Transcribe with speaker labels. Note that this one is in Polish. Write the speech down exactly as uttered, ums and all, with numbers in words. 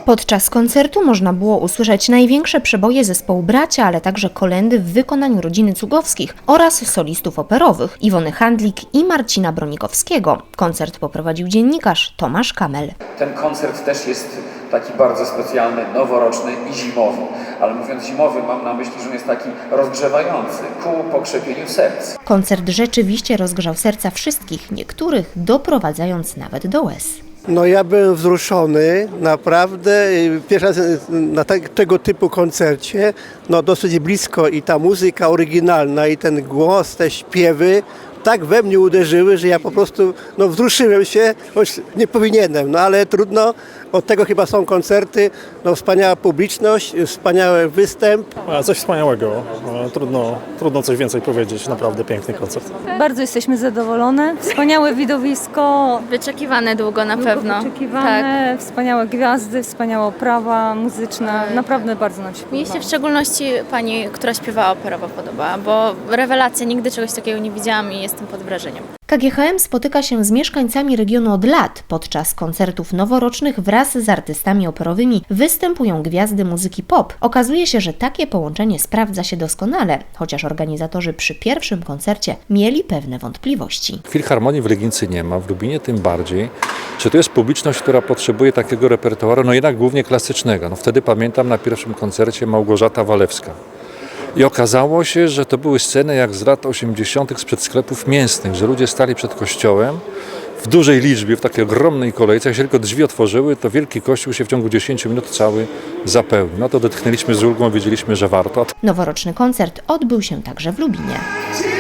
Speaker 1: Podczas koncertu można było usłyszeć największe przeboje zespołu Bracia, ale także kolędy w wykonaniu rodziny Cugowskich oraz solistów operowych Iwony Handlik i Marcina Bronikowskiego. Koncert poprowadził dziennikarz Tomasz Kamel.
Speaker 2: Ten koncert też jest taki bardzo specjalny, noworoczny i zimowy. Ale mówiąc zimowy, mam na myśli, że on jest taki rozgrzewający ku pokrzepieniu serc.
Speaker 1: Koncert rzeczywiście rozgrzał serca wszystkich, niektórych doprowadzając nawet do łez.
Speaker 3: No ja byłem wzruszony, naprawdę, pierwszy raz na te, tego typu koncercie, no dosyć blisko i ta muzyka oryginalna i ten głos, te śpiewy tak we mnie uderzyły, że ja po prostu no, wzruszyłem się, choć nie powinienem, no ale trudno, od tego chyba są koncerty, no wspaniała publiczność, wspaniały występ.
Speaker 4: Coś wspaniałego, trudno, trudno coś więcej powiedzieć, naprawdę piękny koncert.
Speaker 5: Bardzo jesteśmy zadowolone, wspaniałe widowisko.
Speaker 6: Wyczekiwane długo na pewno.
Speaker 5: Wyczekiwane, tak. Wspaniałe gwiazdy, wspaniała oprawa muzyczna, naprawdę bardzo nam się podoba.
Speaker 6: Mnie się w szczególności pani, która śpiewała operowo podoba, bo rewelacja, nigdy czegoś takiego nie widziałam i jestem pod wrażeniem.
Speaker 1: K G H M spotyka się z mieszkańcami regionu od lat. Podczas koncertów noworocznych wraz z artystami operowymi występują gwiazdy muzyki pop. Okazuje się, że takie połączenie sprawdza się doskonale, chociaż organizatorzy przy pierwszym koncercie mieli pewne wątpliwości.
Speaker 7: Filharmonii w Legnicy nie ma, w Lubinie tym bardziej. Czy to jest publiczność, która potrzebuje takiego repertuaru? No jednak głównie klasycznego. No wtedy pamiętam na pierwszym koncercie Małgorzata Walewska. I okazało się, że to były sceny jak z lat osiemdziesiątych sprzed sklepów mięsnych, że ludzie stali przed kościołem w dużej liczbie, w takiej ogromnej kolejce. Jak się tylko drzwi otworzyły, to wielki kościół się w ciągu dziesięciu minut cały zapełnił. No to odetchnęliśmy z ulgą, wiedzieliśmy, że warto.
Speaker 1: Noworoczny koncert odbył się także w Lubinie.